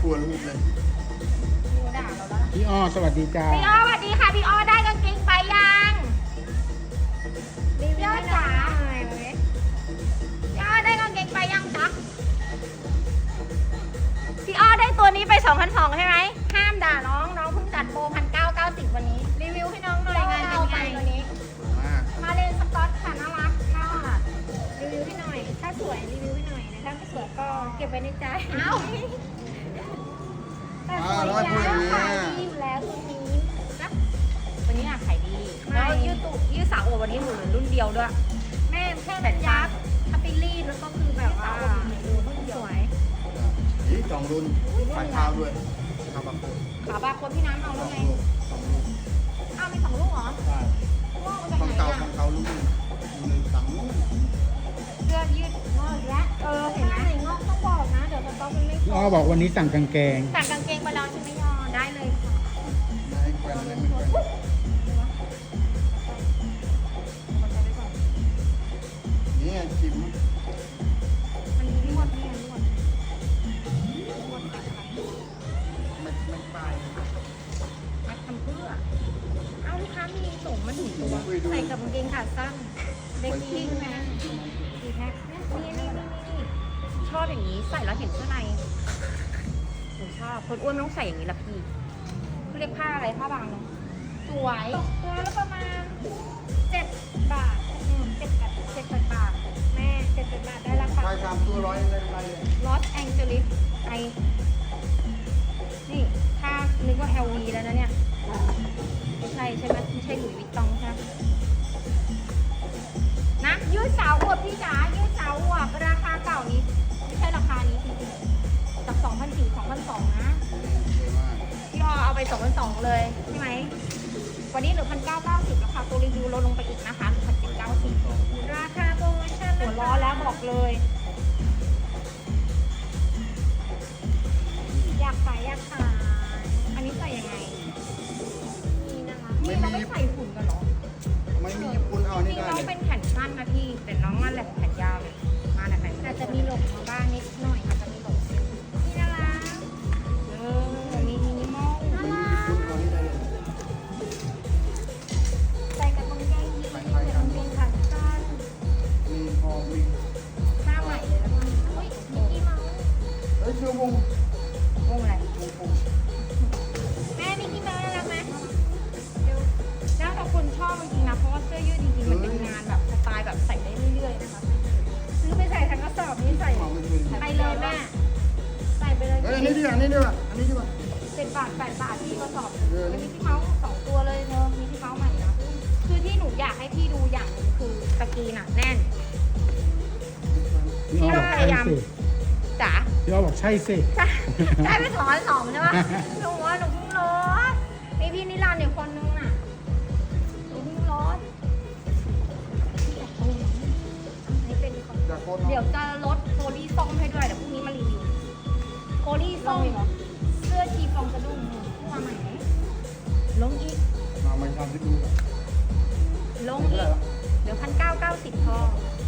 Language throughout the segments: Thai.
ลัวลูกเลยด่าเราแล้วพี่อ้อสวัสดีจ้าพี่อ้อสวัสดีค่ะพี่อ้อได้กางเกงไปยังพี่อ้อจ๋าพี่อ้อได้กางเกงไปยังจ๊ะพี่อ้อได้ตัวนี้ไป2,200ใช่ไหมห้ามด่าน้องเพิ่งจัดโปร1,990วันนี้รีวิวให้น้องหน่อยงานเป็นไงวันนี้มากมาเลนสก๊อตค่ะน่ารักค่ะรีวิวให้หน่อยถ้าสวยรีวิวให้หน่อยนะถ้าไม่สวยก็เก็บไว้ในใจเอ้าแต่สวยแล้วขายดีอยู่แล้วตัวนี้นะตัวนี้อะขายดีแล้วยืดสาวโอวันนี้หนูเหลือรุ่นเดียวด้วยแม่แค่แบบยักษ์ถ้าไปรีดแล้วก็คือแบบว่าสวยนี่สองรุ่นปลายเท้าด้วยขาบาโคขาบาคนพี่น้ำเอาแล้วไงสองลูกอ้าวมี2 ลูกเหรอใช่ว้าวจากของไหนเก่าอะของเก่าลูกหนึ่งสองลูกเสื้อยืดงอกและเห็นไหมงอกต้องบอกนะเดี๋ยวสต๊อกมันไม่พพี่ออ้อบอกวันนี้สั่งกางเกงสั่งกางเกงไปแล้วใช่ไหมยอได้เลยค่ะไม่ให้แกวนเลยไม่แกวนนี่ไงชิมมันมีลวดนี่ลวดไม่ปลายมัดทำเพื่อเอาลูกค้ามีส่งมาถึงตัวใส่กับกางเกงขาสั้นเด็กกิ้งนะดีแท็กนี่ชอบอย่างนี้ใส่แล้วเห็นเสื้อในหนูชอบคนอ้วนต้องใส่อย่างนี้ละพี่เขาเรียกผ้าอะไรผ้าบางเนาะสวยตัวละประมาณ7 บาท7 บาทแม่7 บาทได้ราคาปลาย3ตัว100ได้ไรเลยลอสแองเจลิสไอนี่ถ้านึกว่า LV แล้วนะเนี่ยไม่ใช่ใช่ไหมไม่ใช่หลุยส์วิตตองใช่ไหมนะยืดสาวอวบพี่จ๋ายืดสาวอวบราคาเก่านี้ไม่ใช่ราคานี้จริงๆจาก2,400 2,200นะสวยมากพี่อเอาไป2,200เลยใช่ไหมวันนี้เหลือ1,990ราคาตัวรีวิวลดลงไปอีกนะคะ1,790ราคาโปรโมชั่นหัวล้อแล้วบอกเลยอยากขายอันนี้ใส่ยังไงนี่นะคะนี่เราไม่ใส่หุ่นกันเหรอไม่มีญี่ปุ่นเอาจนี่ริงได้น้องเลยเป็นแขนสั้นนะพี่แต่น้องนั่นแหละแขนยาวเลยมาแต่ไหนอาจจะมีหลงมาบ้างนิดหน่อยอาจจะมีหลงนี่น่ารักมีมินิมอลน่าไม่มีรัญี่ปุ่นกเอานี่ได้เลยใส่กับกางเกงยีนส์กับกางเกงขาสั้นมีพอมีหน้าใหม่เลยแล้วก็อุ้ยมิกกี้เมาส์เฮ้ยเชื่อวงวงอะไรวงแม่มิกกี้เมาส์น่ารักไหมเดี๋ยวแล้วแต่คนชอบจริงๆนะเพราะว่าเสื้อยืดจริงๆมันเป็นงานแบบสไตล์แบบใส่ได้เรื่อยๆนะคะซื้อไปใส่ทั้งกระสอบนี้ใส่เอาไม่เป็นไปเลยแม่ใส่ไปเลยเฮ้ยอันนี้ดีกว่าอันนี้ดีกว่าอันนี้ดีกว่า 7 บาท 8 บาทที่กระสอบเป็นมิกกี้เมาส์2 ตัวเลยเนอะมิกกี้เมาส์ใหม่นะคือที่หนูอยากให้พี่ดูอย่างหนึงคือตะกีน่ะแน่นพี่อ้อบอกใช่สิจ๋าพี่อ้อบอกใช่สิใช่ได้ไป2,200ใช่ปะหนูว่าหนูเพิ่งลดมีพี่นิรันดร์อีกคนนึงน่ะหนูเพิ่งลดนี่เป็นของจากโคตรเดี๋ยวจะลดโคลี่ส้มให้ด้วยเดี๋ยวพรุ่งนี้มารีวิวโคลี่ส้มเสื้อชีฟองกระดุมมาใหม่ไหมลงอีกมาไม่ทำที่ดูกันลงอีกเดี๋ยว1,990พอ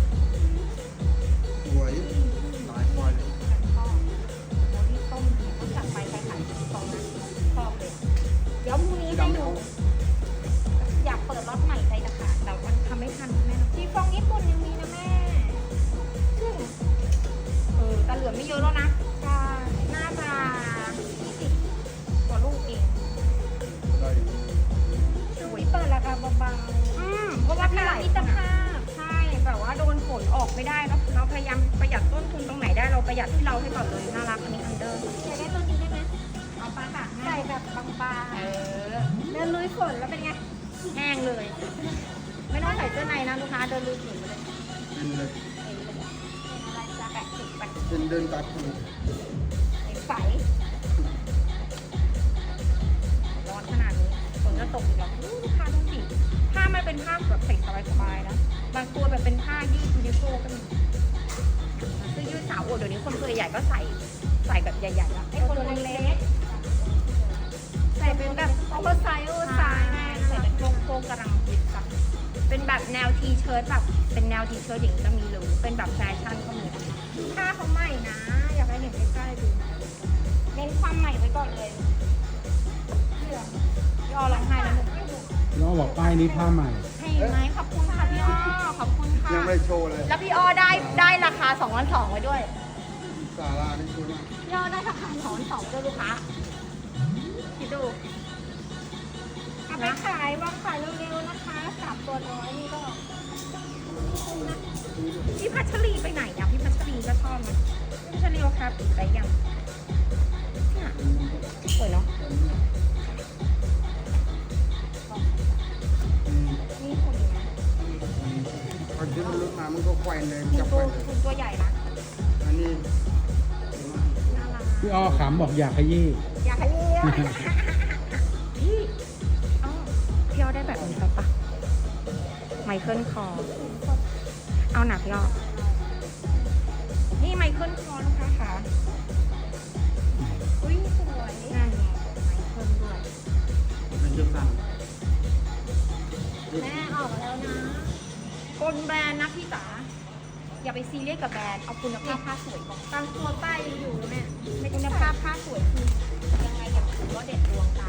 สวยหลายควายเลยพอโคลี่ส้มเนี่ยต้องจัดไปใครขายชีฟองนะชอบเลยเดี๋ยวพรุ่งนี้ให้ดูอยากเปิดล็อตใหม่ใจจะขาดแต่มันทำไม่ทันแม่ชีฟองญี่ปุ่นยังมีนะแม่ซึ่งแต่เหลือไม่เยอะแล้วนะน่าจะ20 กว่าลูกเองได้อยู่สวยเปิดราคาเบาๆเพราะว่าพี่รักมิตรภาพใช่แบบว่าโดนฝนออกไม่ได้เนาะเราพยายามประหยัดต้นทุนตรงไหนได้เราประหยัดที่เราให้ก่อนเลยน่ารักอันนี้อันเดอร์อยากได้ตัวนี้ได้ไหมเอาปลาค่ะใส่แบบบางๆเดินลุยฝนแล้วเป็นไงแห้งเลย ไม่ต้องใส่เสื้อในนะลูกค้าเดินลุยฝนไปเลยเป็นเลยอะไรจะแปะติดไปเป็นเดินตาคูใสร้อนขนาดนี้ฝนจะตกอีกหรอลูกค้าดูสิผ้ามันเป็นผ้าแบบใส่สบายๆนะบางตัวแบบเป็นผ้ายืดยูนิโคลก็มีเสื้อยืดสาวโอเดี๋ยวนี้คนตัวใหญ่ก็ใส่แบบใหญ่ๆแล้วไอ้คนเล็กๆใส่เป็นแบบโอเวอร์ไซส์ใส่เป็นโค้งๆกำลังฮิตค่ะเป็นแบบแนวทีเชิ้ตแบบเป็นแนวทีเชิ้ตอย่างนี้ก็มีหรือเป็นแบบแฟชั่นก็มีผ้าเขาใหม่นะอยากให้เห็นใกล้ๆดูเน้นความก่อนเลยเหลืองพี่อ้อร้องไห้แล้วหนึ่งน้องบอกป้ายนี้ผ้าใหม่ให้ไหมขอบคุณค่ะพี่อ้อขอบคุณค่ะยังไม่โชว์เลยแล้วพี่อ้อได้ราคา2,200ไว้ด้วยสารานี่ชูนะพี่อ้อได้ราคา2,200ด้วยลูกค้าคิดดูเอาไปขายวางขายเร็วๆนะคะ3ตัวน้อยนี่ก็พี่พัชรีไปไหนอ่ะพี่พัชรีก็ชอบนะพี่พัชรีเอาคาปิดไปยังเนี่ยสวยเนาะ นี่คุณดีนะตอนที่มันลุกมามันก็แขวนเลยคุณจับตัแขววนเลยคุณตัวใหญ่นะอันนี้น่ารักพี่อ้อขำบอกอยากขยี้อยากให้เลี้ยงพี่อ้อพี่อ้อได้แบบนี้ปะไมเคิลคอร์เอาหนักพี่อ้อนี่ไมเคิลคอร์ลูกค้าค่ะอุ้ยสวยนั่นไงไมเคิลด้วยมันจะสั่นแม่ออกมาแล้วนะคนแบรนด์นะพี่จ๋าอย่าไปซีเรียสกับแบรนด์เอาคุณภาพผ้าสวยก่อนตามตัวป้ายอยู่แม่ไม่คุณภาพผ้าสวยคือยังไงอย่างถือว่าเด็ดดวงตา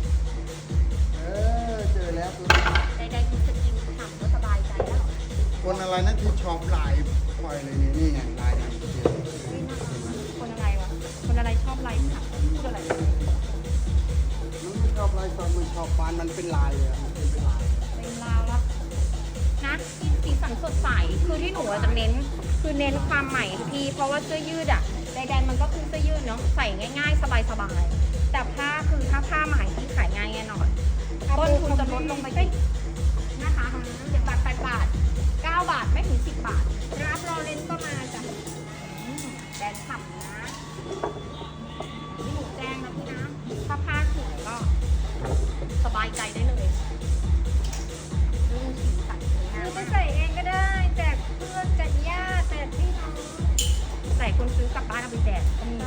เจอแล้วตัวใดๆคุณจะกินทำก็สบายใจแล้วคนอะไรนะที่ชอบลายปล่อยเลยนี่นี่ไงลายนั้นคนอะไรวะคนอะไรชอบไลฟ์ค่ะพูดอะไรมันไม่ชอบลายตอนมันชอบปานมันเป็นลายเลยมันเป็นลายเป็นลาวแล้วนะสีสันสดใสคือที่หนูจะเน้นคือเน้นความใหม่พี่เพราะว่าเสื้อยืดอะใดๆมันก็คือเสื้อยืดเนาะใส่ง่ายๆ สบายๆแต่ผ้าคือถ้าผ้าใหม่ที่ขายง่ายแน่นอนต้นทุนจะลดลงไปนะคะ7 บาท 8 บาท 9 บาทไม่ถึง10 บาทรับรอเลนก็มาจ้ะแบรนด์ฉ่ำนะที่หนูแจ้งนะพี่นะถ้าผ้าสวยก็สบายใจได้เลยดูสีสันสวยงามไปใส่เองก็ได้แจกเพื่อนแจกญาติแจกพี่น้องใส่คนซื้อกลับบ้านเอาไปแจกก็มี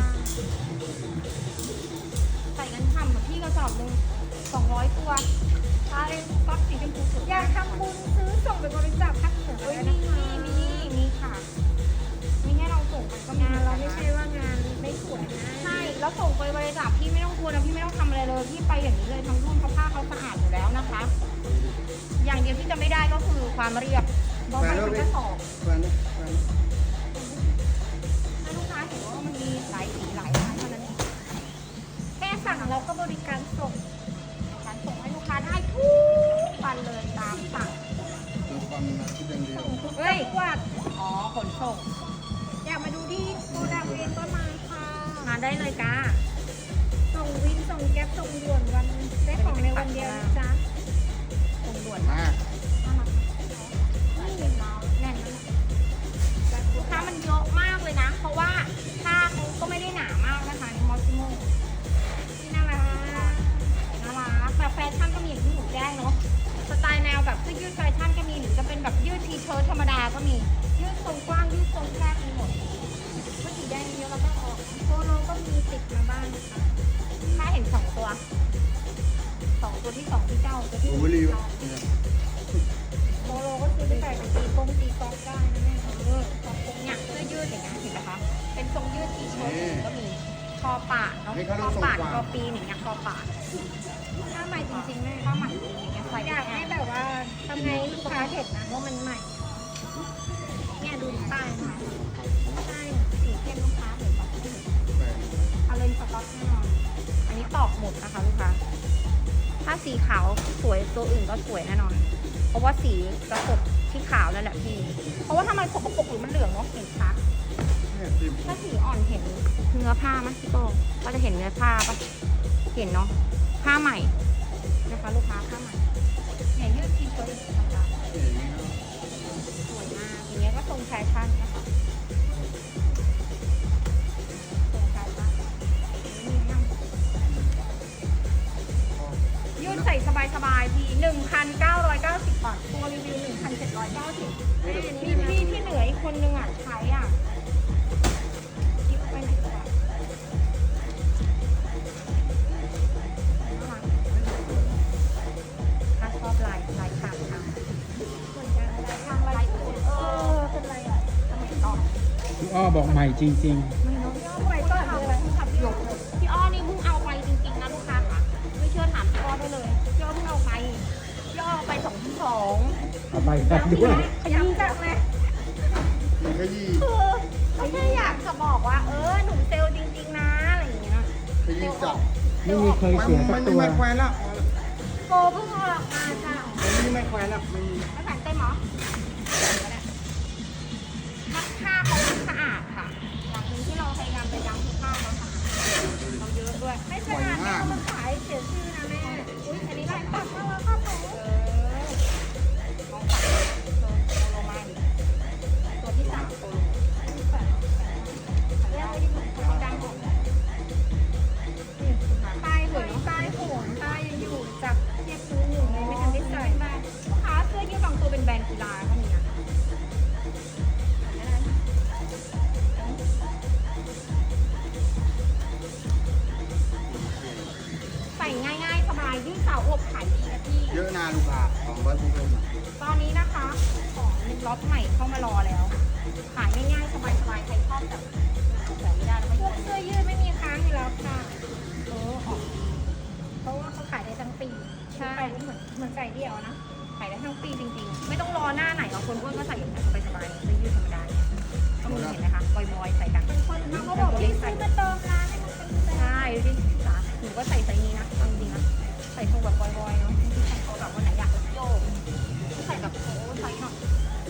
ใส่กันฉ่ำแบบพี่กระสอบหนึ่ง200 ตัวใช่ก๊อตสีชมพูสวยอยากทำบุญซื้อส่งไปบริจาคภาคเหนือเอ้ยนะมีค่ะมีให้เราส่งกันก็มีงานเราไม่ใช่ว่างานไม่สวยนะใช่แล้วส่งไปบริจาคพี่ไม่ต้องกลัวนะพี่ไม่ต้องทำอะไรเลยพี่ไปอย่างนี้เลยทั้งรุ่นเพราะผ้าเขาสะอาดอยู่แล้วนะคะ อย่างเดียวที่จะไม่ได้ก็คือความเรียบเพราะมันเป็นกระสอบแฟนนะแฟนถ้าลูกค้าเห็นว่ามันมีหลายสีหลายร้านเท่านั้นเองแค่สั่งเราก็บริการส่งการส่งให้ลูกค้าได้ทุกวันเลยตามสั่งดูความคิดอย่างเดียวเฮ้ยจังหวัดอ๋อขนส่งอยากมาดูที่โกดังเองก็มาค่ะมาได้เลยจ้าส่งวินส่งแก๊ปส่งด่วนวันได้ของในวันเดียวนะจ๊ะส่งด่วนมากนี่เราแน่นนะลูกค้ามันเยอะมากเลยนะ เพราะว่าผ้าเขาก็ไม่ได้หนามากนะคะในมอสซิโมนี่น่ารักน่ารักแบบแฟชั่นก็มีอย่างที่หนูแจ้งเนาะสไตล์แนวแบบเสื้อยืดแฟชั่นก็มีหรือจะเป็นแบบยืดทีเชิ้ตธรรมดาก็มียืดทรงกว้างยืดทรงแคบมีหมดเมื่อสีแดงเยอะแล้วก็ออกโปโลก็มีติดมาบ้างนะคะถ้าเห็น2 ตัวตัวที่2ที่เจ้าตัวที่โอเวอร์รีวเนี่ยโปโลก็ซื้อไปใส่เป็นตีกองได้นะแม่เนี่ยเสื้อยืดอย่างเงี้ยเห็นไหมคะเป็นทรงยืดทีเชิ้ตก็มีคอปาดเนาะคอปาดคอปีนอย่างเงี้ยคอปาดถ้าใหม่จริงๆแม่ผ้าใหม่อย่างเงี้ยใส่อยากให้แบบว่าทำไงลูกค้าเห็นนะว่ามันใหม่ เนี่ยดูป้ายค่ะใช่สีเข้มลูกค้าเห็นปะแฟนเอาเลนสต็อกแน่นอนอันนี้ตอบหมดนะคะลูกค้าถ้าสีขาวสวยตัวอื่นก็สวยแน่นอน เพราะว่าสีกระสบที่ขาวนั่นแหละพี่เพราะว่าถ้ามันสกปรกหรือมันเหลืองเนาะเห็นชัดเนี่ยทีมถ้าสีอ่อนเห็นเนื้อผ้าไหมพี่โป้ก็จะเห็นเนื้อผ้าปะเห็นเนาะผ้าใหม่นะคะลูกค้าผ้าใหม่เนี่ยยืดทีเชิ้ตธรรมดาอย่างนี้นะสวยมากอย่างเงี้ยก็ทรงแฟชั่นนะคะทรงแฟชั่นนี่นั่งยืดใส่สบายๆที1,990 บาทตัวรีวิว 1,790พี่ที่เหลืออีกคนนึงอ่ะใช้อ่ะคิดไปไหนก่อนถ้าชอบลายขางทางเหมือนกันอะไรทางไรคุณเป็นไรอ่ะสมัยก่อนพี่อ้อบอกใหม่จริงไม่เนาะย่อไปก็เอาเลยพี่อ้อนี่เพิ่งเอาไปใบแดงด้วยขยับจังเลยมันขยี้คือเขาแค่อยากจะบอกว่า หนูเซลล์จริงๆนะอะไรอย่างเงี้ยขยี้จับไม่มีเคยเสียสัมักนตัวไม่แควนแล้วโกเพิ่งออกมาจ้ะมันไม่แควนแล้วไม่มีไม่แผ่นเต็มเหรอมักผ้าเขาสะอาดค่ะอย่างหนึ่งที่เราพยายามจะย้ำคือผ้าเขาสะอาดเราเยอะด้วย ไม่สะอาดแม่เอามาขายเสียชื่อนะแม่ อุ้ยอันนี้ลายปักมากแล้วค่ะผมลองปักโลมาอีกตัวที่3โลเรียกว่าที่ผมดังออกป้ายสวยเนาะป้ายโหนป้ายยังอยู่จากเทียบซื้อหนึ่งเลยไม่ทันได้ใส่ลูกค้าเสื้อยืดบางตัวเป็นแบรนด์กีฬาก็มีนะใส่ง่ายๆสบายยืดสาวอวบขายดีนะพี่เยอะนาลูกค้า200พวกลงมาตอนนี้นะคะของล็อตใหม่เข้ามารอแล้ว ขายง่ายๆสบายๆใครชอบแบบไม่ได้แล้วไม่พวกเสื้อยืดไม่มีค้างอยู่แล้วค่ะออกเพราะว่าเขาขายได้ทั้งปีใช่เหมือนไก่เดี่ยวนะขายได้ทั้งปีจริงๆไม่ต้องรอหน้าไหนหรอกคนอ้วนก็ใส่อย่างนี้สบายๆเสื้อยืดธรรมดาเนี่ยก็มีเห็นไหมคะบอยๆใส่กันคนเขาบอกว่าซื้อมาเติมร้านให้มันเป็นใช่ดูดิจ๋าหนูก็ใส่ไซส์นี้นะจริงๆนะใส่ทรงแบบบอยๆเนาะที่ใส่เขาแบบวันไหนอยากโยกใส่แบบโอ้ใส่หน่อย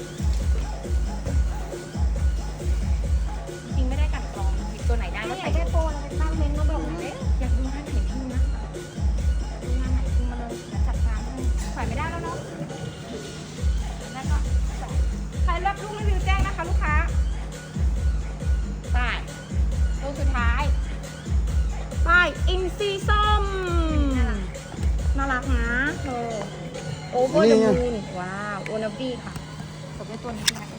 จริงไม่ได้กันกรองหยิบตัวไหนได้ก็ใส่ได้โปรเราไปตั้งเมนมาบอกเลยอยากดูงานไหนพิมพ์นะดูงานไหนพิมพ์มาเลยจัดการให้ใส่ไม่ได้แล้วเนาะแล้วก็ใครรับลูกรีวิวแจ้งนะคะลูกค้าไปลูกสุดท้ายไปอินซีส้มน่ารักนะเธอโอเวอร์เดอะมูนว้าวโอนาบี้ค่ะจบด้วยตัวนี้นะ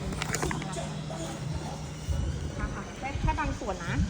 ค่ะแค่บางส่วนนะ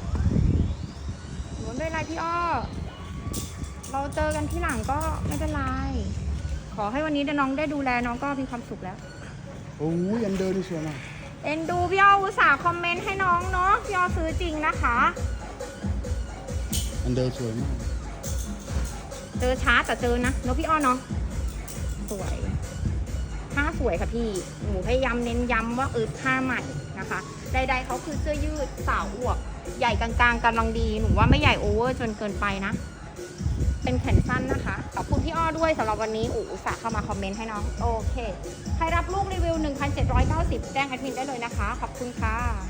หนูไม่เป็นไรพี่อ้อเราเจอกันที่หลังก็ไม่เป็นไรขอให้วันนี้น้องได้ดูแลน้องก็มีความสุขแล้วโอ้ยอันเดินนี่สวยมากเอ็นดูพี่อ้ออุตส่าห์คอมเมนต์ให้น้องเนาะพี่อ้อซื้อจริงนะคะอันเดินสวยมากเจอช้าแต่เจอนะเนาะพี่อ้อเนาะสวยผ้าสวยค่ะพี่หนูพยายามเน้นย้ำว่าผ้าใหม่นะคะใดๆเขาคือเสื้อยืดสาวอวบใหญ่กลางๆกำลังดีหนูว่าไม่ใหญ่โอเวอร์จนเกินไปนะเป็นแขนสั้นนะคะขอบคุณพี่อ้อด้วยสำหรับวันนี้อุตส่าห์เข้ามาคอมเมนต์ให้น้องโอเคใครรับลูกรีวิว 1,790 แจ้งแอดมินได้เลยนะคะขอบคุณค่ะ